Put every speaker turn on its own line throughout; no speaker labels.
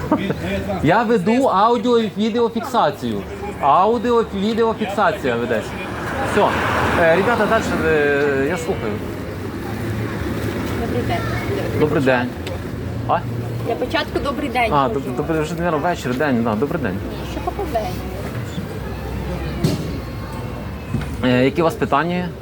Я веду аудіо і відеофіксацію. Аудіо-відеофіксація ведеться. Все. Ребята, далі я слухаю.
Добрий день.
Добрий день. А?
Для початку добрий день.
А, добрий вже, мабуть, вечір, день. Да, добрий день.
Що по день?
Які у вас питання є?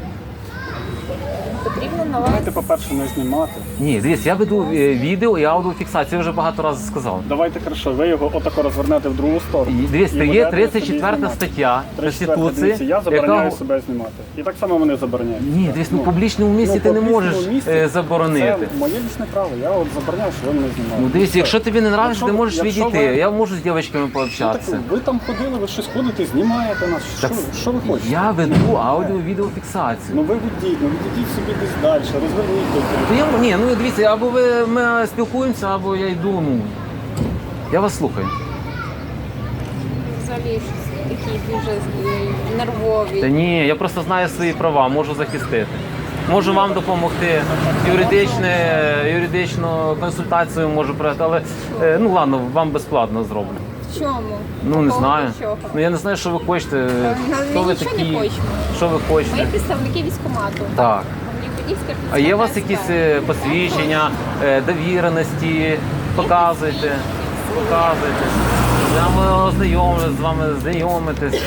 Потрібно на вас.
Давайте, по-перше, не знімати.
Ні, дивіться, я веду відео і аудіофіксацію, я вже багато разів сказав.
Давайте, хорошо, ви його отако розвернете в другу сторону.
Дивіться,
І
є
будете собі
34
знімати.
стаття
34,
Конституції,
дивіться, я забороняю
яка...
себе знімати. І так само мене забороняють.
Ні, дивіться, в публічному місці ти не можеш заборонити.
Це моє лічне право, я от забороняю, що ви мене знімаєте.
Ну дивіться, якщо тобі не подобається, ти можеш
якщо
відійти.
ви-
Я можу з дівчатками
Ну, так,
пообщатися.
ви там ходили, ви щось ходите, знімаєте нас. Що ви хочете?
Я веду аудіо-відеофіксацію.
Ну ви ведіть, ну відійдіть собі десь далі, розверніть тут.
Ні, ну дивіться, або ми спілкуємося, або я йду, ну. Я вас слухаю.
Взагалі щось такі дуже нервові.
Та ні, я просто знаю свої права, можу захистити. Можу вам допомогти, юридичну консультацію можу пройти, але ну ладно, вам безплатно зроблю.
В чому?
Ну не
По
знаю.
поводу чого?
Ну я не знаю, що ви хочете. Хто
Ми
ви
нічого не
такі?
хочемо.
Що ви
Ми
хочете?
представники військкомату.
Так.
Подільська
А є у вас
підскарбна
якісь
справа.
посвідчення, довіреності? Показуйте. Показуйте. Я ознайомлюсь з вами, знайомитись.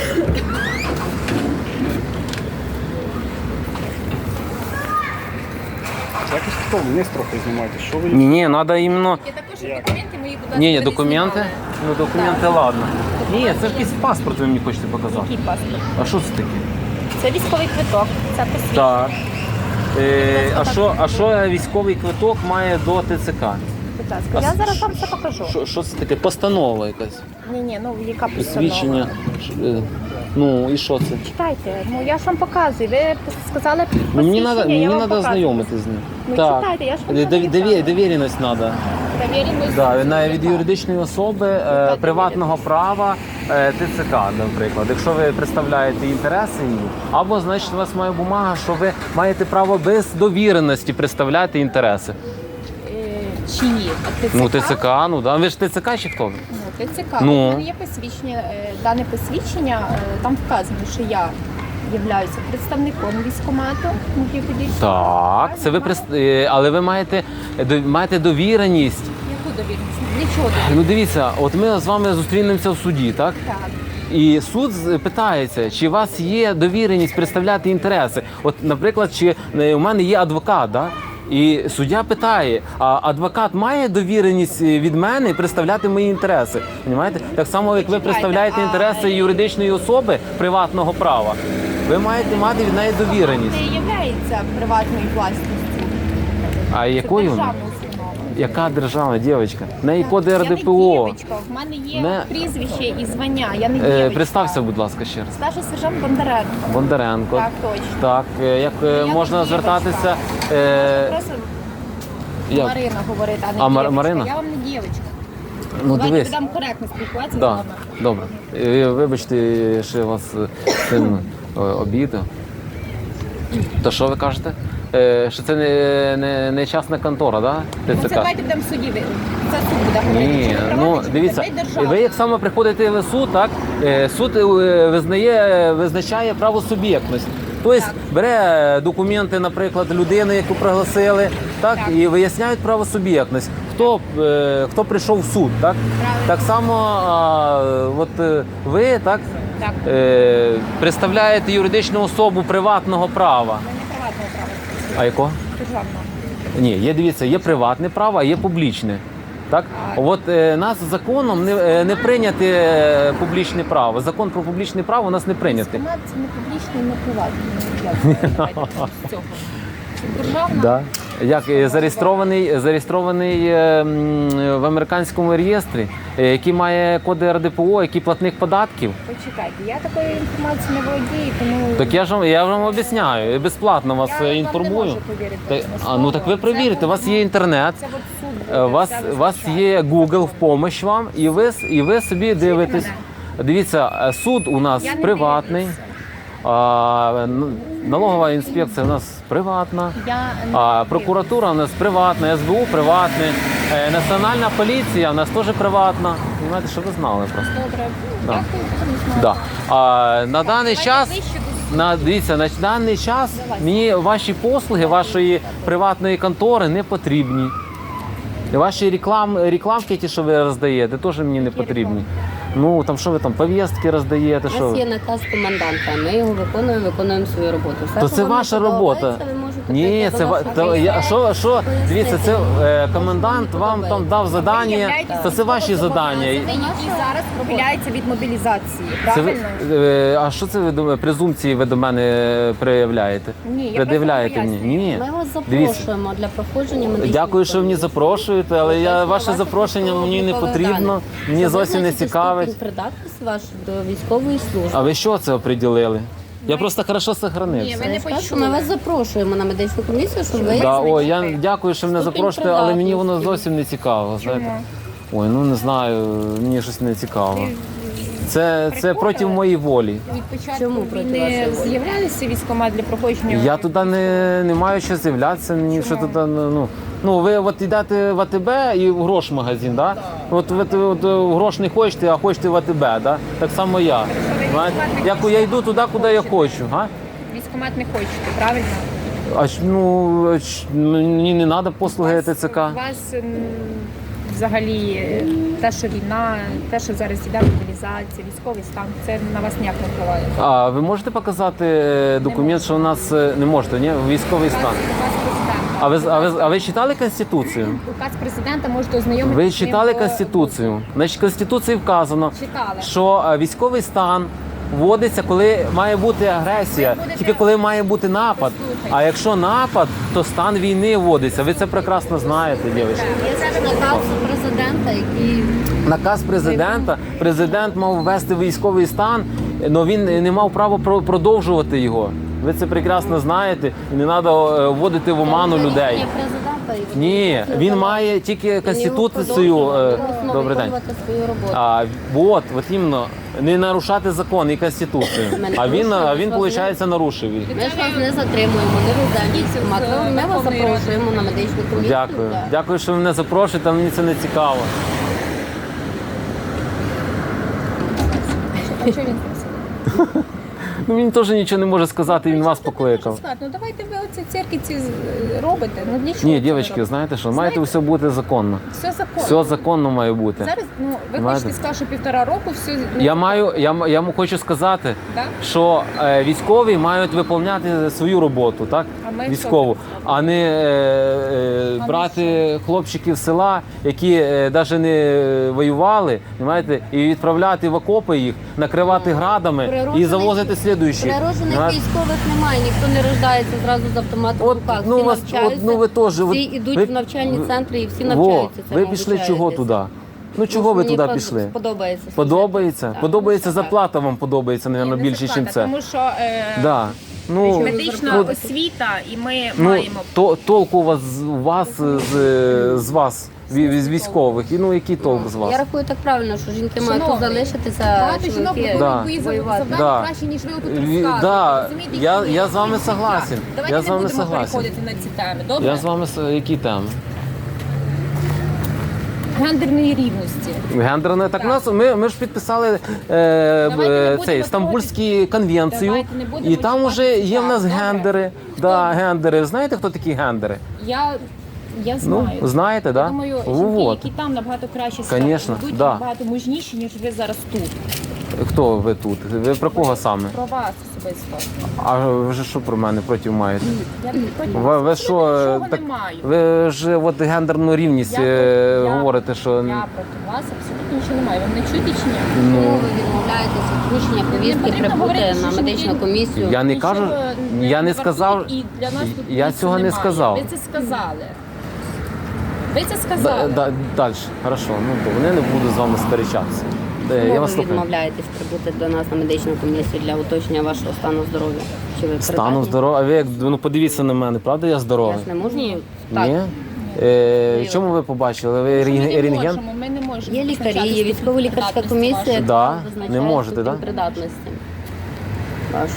Якось хто вниз трохи знімаєте, що ви...
Ні, треба іменно...
Є також документи мої, будь ласка,
Ні,
не
документи?
знімали.
Ну документи,
Так.
ладно. Ні, це якийсь паспорт ви мені хочете показати.
Який паспорт?
А що це таке?
Це військовий квиток, це посвідчення.
Так. А що військовий квиток має до ТЦК?
Будь ласка, я зараз вам це покажу.
Що це таке? Постанова якась?
Ні, ну яка постанова?
Посвідчення. Ну і що це?
Читайте, ну я ж вам показую. Ви сказали
Ну,
посвідчення,
мені
я вам
треба
показую.
знайомитися з ним.
Ну, читайте, я ж вам
Довіреність треба.
Довіреність.
Да, від юридичної особи, приватного права, ТЦК, наприклад. Якщо ви представляєте інтереси її, або, значить, у вас має бумага, що ви маєте право без довіреності представляти інтереси.
Чиї? ТЦК?
Ну, ТЦК, ну, да. Ви ж ТЦК чи хто?
Ну, ТЦК.
Ну.
У мене є посвідчення, дане посвідчення, там вказано, що я являюся представником військкомату.
Так, це ви але ви маєте довіреність.
Яку довіреність? Для чого довіреність?
Ну дивіться, от ми з вами зустрінемося в суді, так?
Так.
І суд питається, чи у вас є довіреність представляти інтереси. От, наприклад, чи у мене є адвокат, да? І суддя питає, а адвокат має довіреність від мене представляти мої інтереси? Понімаєте? Так само, як ви представляєте інтереси юридичної особи приватного права, ви маєте мати від неї довіреність.
Це є приватною власністю.
А
Це
якою?
державна установа.
Яка державна, дівчинка? В неї код
Я
РДПО.
не дівчинка, в мене є
Не-
прізвище і звання, я не дівчинка.
Представся, будь ласка, ще раз.
Старший сержант Бондаренко.
Бондаренко.
Так, точно.
Так, як
Я
можна
не
звертатися?
Просто
Як?
Марина говорить, а не
А,
дівчинка.
Марина?
Я вам не дівчинка.
Ну
Давайте
дивись.
будемо коректно спілкуватися з
Да,
вами.
добре. Вибачте, що я вас сильно обідав. То що ви кажете? Що це не частна контора, да?
Ну, це
ТЦК?
давайте будемо в суді. Це суд буде говорити.
Ні,
чи ви
ну
приватний, чи
дивіться,
ви державний.
ви як саме приходите в суд, так? Суд визначає правосуб'єктність. Тобто бере документи, наприклад, людини, яку пригласили, так, і виясняють правосуб'єктність. Хто прийшов в суд, так?
Правильно.
Так само ви так,
Так.
представляєте юридичну особу приватного права.
Це не приватного права,
А якого?
державного.
Ні, дивіться, є приватне право, а є публічне. Так? От нас законом не прийняти публічне право. Закон про публічне право у нас не прийнятий.
Військкомат – це не публічний, не приватний. Давайте з цього. Це державна.
Да. Як зареєстрований в американському реєстрі, який має коди РДПО, який платник податків.
Почекайте, я такою інформацією не володію, тому...
Так я вам об'ясняю, я безплатно вас
Я вам
інформую.
не можу повірити
Так,
на слово.
ну так ви перевірите, у вас є інтернет.
Це от суд буде
У вас
все
є Google в помощь вам, і ви собі дивитесь. Дивіться, суд у нас
Я не
приватний,
дивлюся.
налогова інспекція у нас приватна,
Я не
прокуратура у нас приватна, СБУ приватне, Національна поліція, у нас теж приватна. Знаєте, щоб ви знали просто.
Добре.
Да.
Дякую, будемо
Да.
знати.
А на даний час,
Ближче до
дивіться, на даний час мені ваші послуги, вашої приватної контори не потрібні. І ваші рекламки, ті, що ви роздаєте, теж мені не потрібні. Ну, там що ви там, повістки роздаєте,
У
що
нас
ви?
є наказ коменданта, ми його виконуємо свою роботу. Все,
То
що
це
вам не
ваша робота.
подобається, ви можете
Ні,
прийти
це
до нас
то,
на
я, що, дивіться, це
Пояснити.
комендант вам там дав задання, то це ваші задання.
Які зараз ухиляються від мобілізації,
Це ви,
правильно?
а що це ви презумпції ви до мене проявляєте?
Ні, я
Пред'являєте
просто
мені?
пояснюю.
Ні.
Ми вас
Дивіться.
запрошуємо для проходження медичної
Дякую, що ви мені
комісії.
запрошуєте, але я
Тобто,
ваше
ваше
запрошення мені не
службове
потрібно,
завдання.
мені
Щоб
зовсім не
визначити
цікавить.
ступінь придатність вашу до військової служби.
А ви що це оприділили? Я просто хорошо
Ні,
сохранився.
ви не
Я ж кажу,
почули.
ми вас запрошуємо на медичну комісію, щоб ви
Да, ой, я дякую, що мене
Ступінь
запрошуєте, але мені воно
придатності.
зовсім не цікаво. Знаєте?
Чому?
Ой, ну не знаю, мені щось не цікаво. Це проти моєї волі.
Від початку
Чому проти
війни
вашої волі?
з'являлися військкомат для проходження?
Я туди не маю що з'являтися, мені що туди, ну ви от йдете в АТБ і в грошмагазин, да? От ви от, в грош не хочете, а хочете в АТБ, да? Так само я. Знаєте, я йду туди, куди я хочу. А?
Військкомат не хочете, правильно?
Мені не треба послуги ТЦК.
У вас взагалі те, що війна, те, що зараз іде мобілізація, військовий стан, це на вас ніяк не впливає.
А ви можете показати документ, що у нас не можете, ні? Військовий стан.
Указ президента.
А ви читали Конституцію?
Указ президента можете ознайомитися.
Ви
з ним
читали
по-
Конституцію? Значить, в Конституції вказано,
Читали.
що військовий стан вводиться, коли має бути агресія, тільки коли має бути напад. А якщо напад, то стан війни вводиться. Ви це прекрасно знаєте, дівчата.
Є наказ президента, який
Наказ президента, президент мав ввести військовий стан, але він не мав права продовжувати його. Ви це прекрасно знаєте, і не треба вводити в оману людей.
рішення президента. і
Ні, він має тільки Конституцію. Добрий день.
Свою роботу.
От іменно, не нарушати закон і Конституцію. А він, виходить, нарушив їх.
Ми ж вас не затримуємо, не веземо. Ми вас запрошуємо на медичну комісію.
Дякую.
для-
Дякую, що ви мене запрошуєте, мені це не цікаво.
А що він просив?
Ну, він теж нічого не може сказати, він вас
Що ти
покликав.
можеш сказати? Ну давайте ви оці церкви ці робите. Ну для чого?
Ні,
це
дівчатки,
робите?
знаєте що, маєте все бути законно.
Все законно.
Все законно має бути.
Зараз, ну, ви
Знаєте?
хочете сказати, що 1,5 року все...
Я хочу сказати,
Так?
що військові мають виконувати свою роботу, так?
А ми
Військову, а не брати хлопчиків з села, які навіть не воювали, знаєте, і відправляти в окопи їх, накривати градами і
Природжених-
завозити слідуючі.
Природжених військових немає, ніхто не рождається зразу з автоматом в
От,
руках.
ну,
Всі
вас-
навчаються,
от, ну, ви теж,
всі
от,
йдуть
ви-
в навчальні центри і всі
Во,
навчаються.
ви пішли чого туди? Ну чого ви
Мені
туди
просто
пішли?
Подобається.
Подобається?
Так.
Подобається зарплата вам подобається, мабуть, більше, ніж це.
Тому що
Да. Ну,
медична
ну,
освіта, і ми
ну,
маємо...
толку у вас з вас, з військових. І ну який толк з вас?
Я рахую так правильно, що жінки мають тут
Шановний,
залишитися,
Багато жінок
чоловіки
виконують
Да.
бої
воювати.
завдання
Да.
краще, ніж ви тут
Ві-
розказуєте.
да,
Розумієте,
я
які
з вами
життя.
согласен.
Давайте
Я з
не
вами
будемо
согласен.
переходити на ці теми, добре?
Я з вами які теми?
Гендерної рівності.
Гендерне. Так, ми ж підписали
будемо
цей Стамбульську конвенцію,
Давайте не будемо
і там
чіпати
вже є в нас
добре?
гендери. Да, гендери. Знаєте, хто такі гендери?
Я знаю.
Ну, знаєте,
Я
да?
думаю,
Вот.
жінки, які там набагато краще себе
Конечно,
ведуть,
да.
набагато мужніші, ніж ви зараз тут.
Хто ви тут? Ви про кого саме?
Про вас особисто.
А ви ж що про мене проти маєте?
Я проти
Ви
вас
що,
нічого
так,
не маю.
ви ж от гендерну рівність
Я
говорите, що
Я проти вас абсолютно нічого не маю. Ви мене чуєте чи ні?
Чому ви відмовляєтеся від включення повістки
потрібно говорити,
прибути на
що
медичну
жінки-
комісію?
я не
Нічого
кажу, я не сказав,
вартують, і для нас тут
я
місця
цього не
немає.
сказав.
Ви це сказали. Ви це сказали.
Далі, хорошо, ну добре, я не буду з вами сперечатися.
Чому
Я вас
ви
слухаю.
відмовляєтесь прибути до нас на медичну комісію для уточнення вашого стану здоров'я? Чи ви
Стану
придатні?
здоров'я, ви як ну подивіться на мене, правда я здоровий?
Я ж не можу.
Ні.
Так.
Ні? Чому ви побачили? Ви
Ми не
рентген?
можемо, ми не можемо.
Є лікарі,
визначати
є військово-лікарська
ступінь
комісія,
придатності
яка
Да,
визначає
не можете,
ступінь
да?
придатності. Вашу.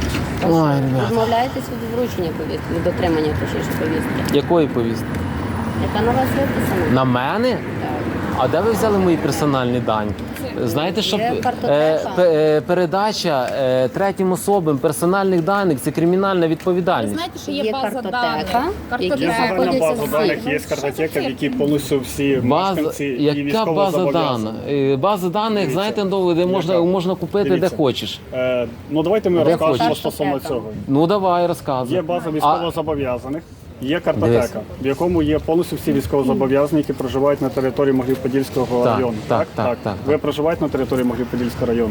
Ой, ребята.
Відмовляєтесь від вручення повістки, від отримання точніше повістки.
Якої повістки?
Яка на вас виписана?
На мене?
Так.
А де ви взяли мої персональні дані? Знаєте, що
Є картотека.
передача третім особам персональних даних це кримінальна
Ви
відповідальність.
знаєте, що
Є
є база
картотека,
даних.
Є
які
загальна
знаходяться
база
всі.
даних, є картотека, в якій повністю всі мешканці і
Яка
військово
база
зобов'язані.
даних? База даних,
Дивіться.
знаєте, де
Яка?
можна купити
Дивіться.
де хочеш.
Ну давайте ми
Де
розкажемо
хочеш.
стосовно цього.
Ну давай, розказуй.
Є база військовозобов'язаних, є картотека, в якому є повністю всі військовозобов'язані, які проживають на території Могилів-Подільського
Так,
району.
так.
Ви проживаєте на території Могилів-Подільського району?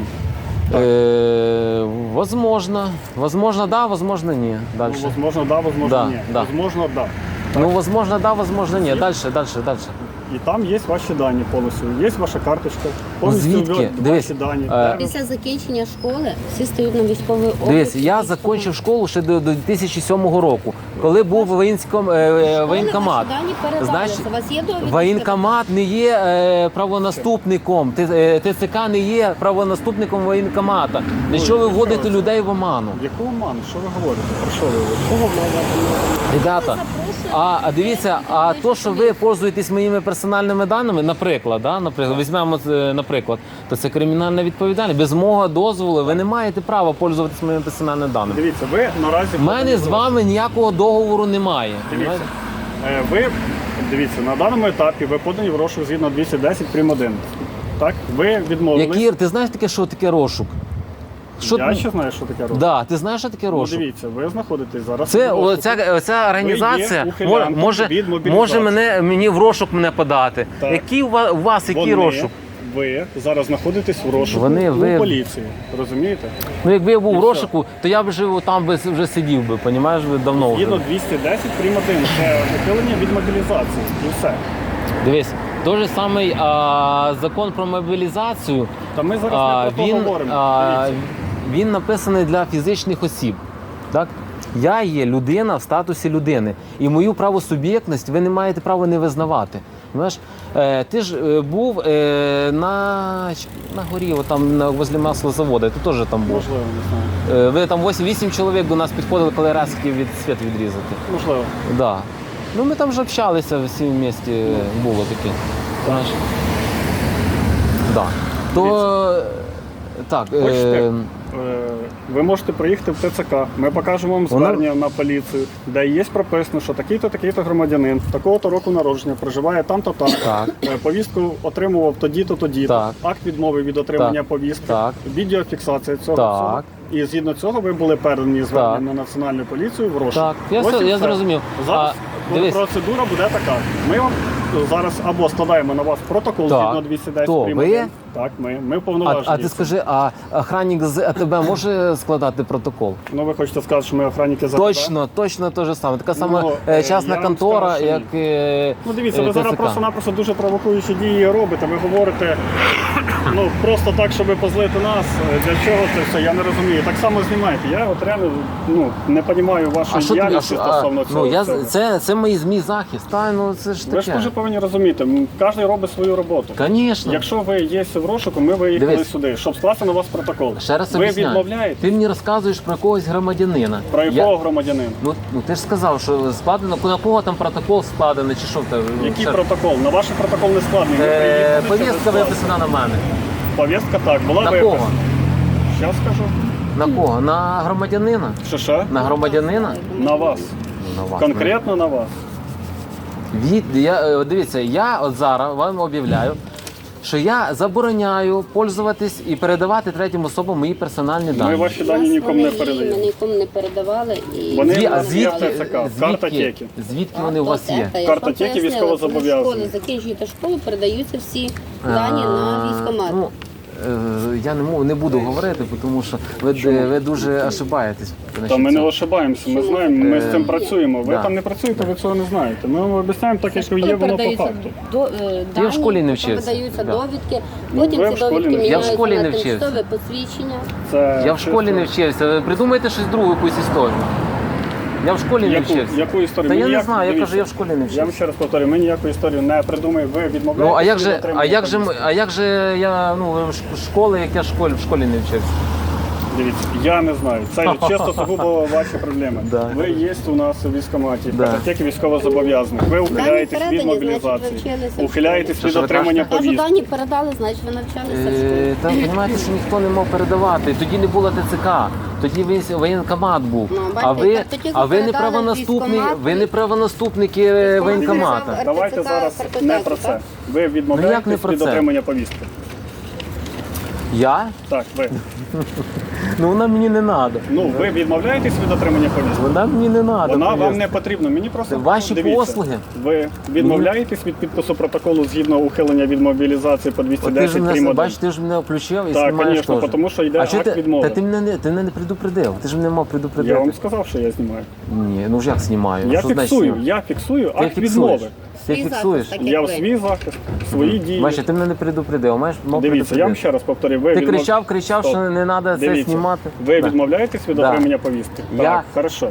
Возможно, да, возможно, ні.
Ну,
Дальше.
возможно, да, возможно,
Да,
ні.
да.
Возможно, да.
Ну, возможно, да, возможно, ні. Дальше.
І там є ваші дані повністю. Є ваша карточка,
Ну,
повністю
звідки? Дивись,
ваші дані.
Після закінчення школи всі стають на військовий облік.
Дивись, я закінчив школу ще до 2007 року, коли був воєнкомат.
Ваші дані передалися.
Знаєш,
У вас є довідки?
воєнкомат не є правонаступником, ТЦК не є правонаступником воєнкомата. Для чого ви вводите людей в оману?
Яку оману? Що ви говорите? Про що ви говорите?
Кого мова?
Ребята, дивіться, а то, що ви пользуєтесь моїми персональними даними, наприклад, візьмемо наприклад, то це кримінальна відповідальність. Без мого дозволу ви не маєте права пользуватись моїми персональними даними.
Дивіться, ви наразі...
У мене з вами ніякого договору немає.
Дивіться, дивіться, на даному етапі ви подані в розшук згідно 210 прим. 1. Так? Ви відмовились.
Якір, ти знаєш таке, що таке розшук?
Я ще знаю, що таке розшук.
Да, ти знаєш, що таке
Ну,
розшук?
дивіться, ви знаходитесь зараз.
Це
в розшуку.
оця організація
Ви є ухилянтом
може
від мобілізації.
може мені в розшук мене подати.
Так.
Який у вас який розшук?
Ви зараз знаходитесь в розшуку
ви-
у поліції. Розумієте?
Ну якби я був
І
в
все.
розшуку, то я б там вже сидів би, понімаєш, давно вже.
Згідно 210 прим. 1. Це ухилення від мобілізації. І все.
Дивись, той же самий закон про мобілізацію.
Та ми зараз не про то говоримо. Дивіться.
Він написаний для фізичних осіб. Так? Я є людина в статусі людини. І мою правосуб'єктність ви не маєте права не визнавати. Знаєш, ти ж був на горі, там возле маслозаводу, ти теж там був.
Можливо, не знаю.
Ви там 8 чоловік до нас підходили, коли раз хотів від світ відрізати.
Можливо.
Да. Ну ми там вже общалися всі вместе, було таке. Знаєш? Да. То так.
Хочете? Ви можете приїхати в ТЦК, ми покажемо вам звернення на поліцію, де є прописано, що такий-то громадянин, такого-то року народження, проживає там-то там.
Так.
Повістку отримував тоді-то, тоді-то.
Так.
Акт відмови від отримання
Так.
повістки,
Так.
відеофіксація цього
Так.
всього. І згідно цього ви були передані звернення
Так.
на Національну поліцію в розшук.
Так, я
Ось і
я
все.
зрозумів.
Зараз
Дивись.
процедура буде така. Ми вам зараз або складаємо на вас протокол
Так.
згідно 210
То
прим.
ви?
1. Так, ми повноважені.
А ти скажи, а охранник з АТБ може складати протокол?
Ну ви хочете сказати, що ми охранники за
Точно те ж саме. Така сама
я
частна
вам
контора,
скажу, що
як
Ну дивіться, ви зараз
ТЦК.
просто-напросто дуже провокуючі дії робите. Ви говорите просто так, щоб позлити нас. Для чого це все? Я не розумію. Так само знімаєте. Я от реально не розумію вашої діяльності стосовно цього. всього.
Це мій захист. Це ж
Ви ж
таке.
теж повинні розуміти, кожен робить свою роботу.
Звісно.
Якщо ви є в розшуку, ми виїхали
Дивись.
сюди, щоб скласти на вас протокол.
Ще раз
ви
об'ясняю.
відмовляєте?
Ти мені розказуєш про якогось громадянина.
Про якого громадянина?
Ну ти ж сказав, що складено, на кого там протокол складений, чи що в тебе?
Який протокол? На ваш протокол не складений. Ви приїхали, щоб
Повістка
скласти.
виписана на мене.
Повістка так, була
На
виписана.
кого?
Щас скажу.
На кого? На громадянина?
Що?
На громадянина?
На вас.
На вас.
Конкретно на вас.
Дивіться, я от зараз вам об'являю, що я забороняю пользуватись і передавати третім особам мої персональні
Ми
дані.
ваші дані нікому не
Ми
передаємо.
нікому не передавали. І
Вони
А
в нас є в ТЦК, картотеки.
звідки вони у вас є?
Картотека. Я ж
Картотеки
вам пояснила,
військовозобов'язаних.
коли школи закінчуєте школу, передаються всі дані на військкомат.
Ну, я не буду говорити, тому що ви дуже ошибаєтесь.
Та ми не ошибаємося, ми знаємо, ми з цим працюємо. Ви
да.
там не працюєте, ви цього не знаєте. Ми вам обіцяємо так, як є воно по факту.
Я в школі не вчився.
Видаються
Да.
довідки,
Ну,
потім
ви
ці
в школі
довідки
не вчилися.
Я в
міняються
школі
на
не вчився.
тимчасове посвідчення.
Це
Я в школі не вчився. Ви придумайте щось другу, якусь історію. Я в школі не вчився.
Яку історію?
Та
Ми
я не
ніяк-
знаю, я
дивіться,
кажу, я в школі не
Я вам
вчився.
ще раз повторюю, ми ніяку історію не придумаємо, ви відмовляєтеся.
Ну, а
від отримання повістки.
як же я в школи, як я в школі не вчився?
Дивіться, я не знаю. Це чисто сугубо ваші проблеми.
Да.
Ви є у нас у військкоматі,
Да.
картотеки військовозобов'язаних. Ви ухиляєтесь від
передані,
мобілізації,
значить, ви вчилися в
ухиляєтесь
школі.
від
Що ви
отримання
Кажу,
повістки.
дані передали, значить ви навчалися в школі.
Там, розумієте, що ніхто не мав передавати. Тоді не було ТЦК, тоді воєнкомат був.
Ну,
А
бачите,
ви,
так тоді
а ви не
передали
правонаступник,
військкомат.
ви не правонаступники воєнкомата.
Давайте
РТЦК,
зараз
картотеки,
не про це.
так?
Ви
Ну, як не
відмовляєтесь
про
від
це?
отримання повістки.
Я?
Так, ви.
Ну вона мені не треба.
Ну, ви відмовляєтесь від отримання повістки.
Вона мені не треба.
Вона вам не потрібна. Мені просто
Ваші
дивіться,
послуги.
Ви відмовляєтесь від підпису протоколу згідно ухилення від мобілізації по
От ти ж
210
мене,
прим. 1?
бачиш, ти ж мене включив і
Так,
знімаєш
звісно,
теж.
тому що йде
А чого
акт відмови.
Та ти мене не предупредив, ти ж мене мав предупредити.
Я вам сказав, що я знімаю.
Ні, ну ж як знімаю?
Я
Що значить
фіксую,
знімаю?
я фіксую
Ти
акт
фіксуєш.
відмови.
Ти
Свій
фіксуєш.
захист, так.
Я в
ви.
свій захист, свої дії.
Бачиш, ти мене не предупредив, маєш мав
Дивіться, я вам ще раз повторюю. Ви
Ти
відмов-
кричав,
Стоп.
що не треба це
Дивіться,
знімати.
Ви
Да.
відмовляєтесь від
Да.
отримання повістки?
Я,
Так, хорошо.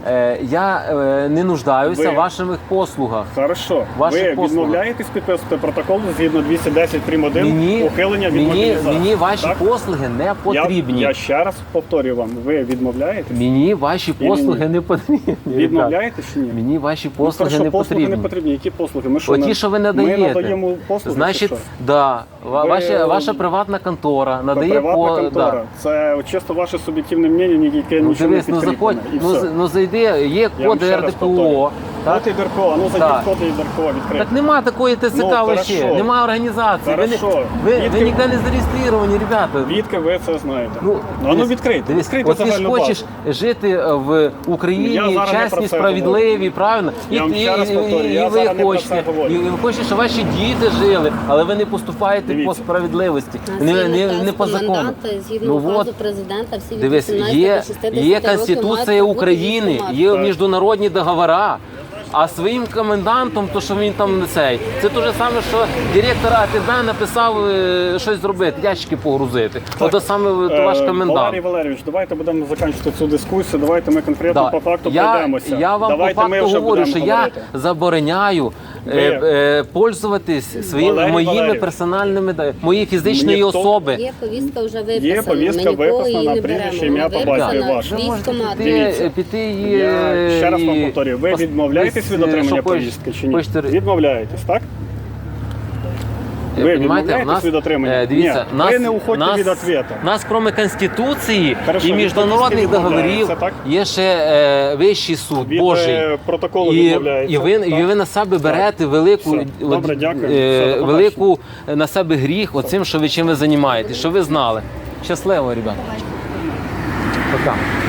я не нуждаюся
Ви-
в ваших послугах.
Хорошо.
Ваші
Ви
послуги.
відмовляєтесь підписувати протокол згідно 210 прим. 1 ухилення від мобілізації?
мені ваші
Так?
послуги не потрібні.
Я ще раз повторюю вам, ви відмовляєтесь?
Мені ваші
Ні,
послуги
ні.
не потрібні.
Відмовляєтесь чи ні?
Мені ваші
Ну,
послуги
хорошо,
не
послуги не
потрібні.
потрібні. Які послуги? Ми що,
Оті, що ви надаєте.
Ми надаємо послуги,
Значить,
чи що?
да,
Ви-
ваша приватна контора надає
Приватна
по
контора.
да.
Це чисто ваше суб'єктивне мнення, яке
Ну
нічого
дивись,
не
ну
підкріплене.
заходь,
І все.
ну зайди, є
Я вам
коди
ще раз
РДПО.
повторюю.
Так?
От і ДРКО, ну зайдіть
Так.
в коди і ДРКО відкрити.
Так нема такої ТСК
Ну,
вообще,
хорошо.
нема організації.
Хорошо.
Ви
Відки-
ніде не зареєстровані, ребята.
Відки ви це знаєте?
Ну,
ну відкрийте,
дивись,
відкрийте
от ти ж
загальну
хочеш жити в
Я
Україні
зараз не про
чесні,
це
справедливі, правильно?
Я вам ще раз повторюю, я
ви
зараз не про
хочете,
це говорю.
і ви хочете, щоб ваші діти жили, але ви не поступаєте по
Дивіться.
справедливості,
У нас є
не
наказ
по закону.
коменданта, згідно
Ну
указу
от,
президента, всі від
дивись,
18
є,
до 60
є
років
Конституція
мають бути
України,
військкомат.
є
Так.
міжнародні договори. А своїм комендантом, то що він там не цей, це те ж саме, що директор АТБ написав щось зробити, ящики погрузити. Ото саме ваш комендант.
Валерій Валерійович, давайте будемо закінчити цю дискусію. Давайте ми конкретно по факту пройдемося.
Я вам
Давайте
по
ми
факту
вже
говорю,
будемо
що я
говорити.
забороняю пользуватись своїми
Валерій
моїми
Валерійович.
персональними моєї фізичної
Ніхто-
особи.
Є повістка вже виписана.
Є повістка
ми нікого
виписана,
її не
прізвище,
беремо.
ім'я,
Вона
по батькові
виписана
ваше.
в військкомат.
Дивіться.
Піти і...
Я ще раз вам
і
повторюю, ви
пос-
відмовляєтесь від
десь,
отримання
що хочеш-
повістки чи ні?
хочете-
Відмовляєтесь, так? Ви
Понімаєте,
відмовляєтесь від отримання?
Дивіться,
Ні, ви не уходьте від ответа.
Нас, крім Конституції
Хорошо,
і
від
міжнародних
повістки
договорів,
відмовляється, так?
є ще Вищий суд
Від
Божий.
протоколу
І
відмовляється.
ви
так?
на себе берете велику,
Все. Добре, дякую. Все, до
велику на себе гріх оцим, що ви чим ви займаєтесь, що ви знали. Щасливо, ребята. Пока.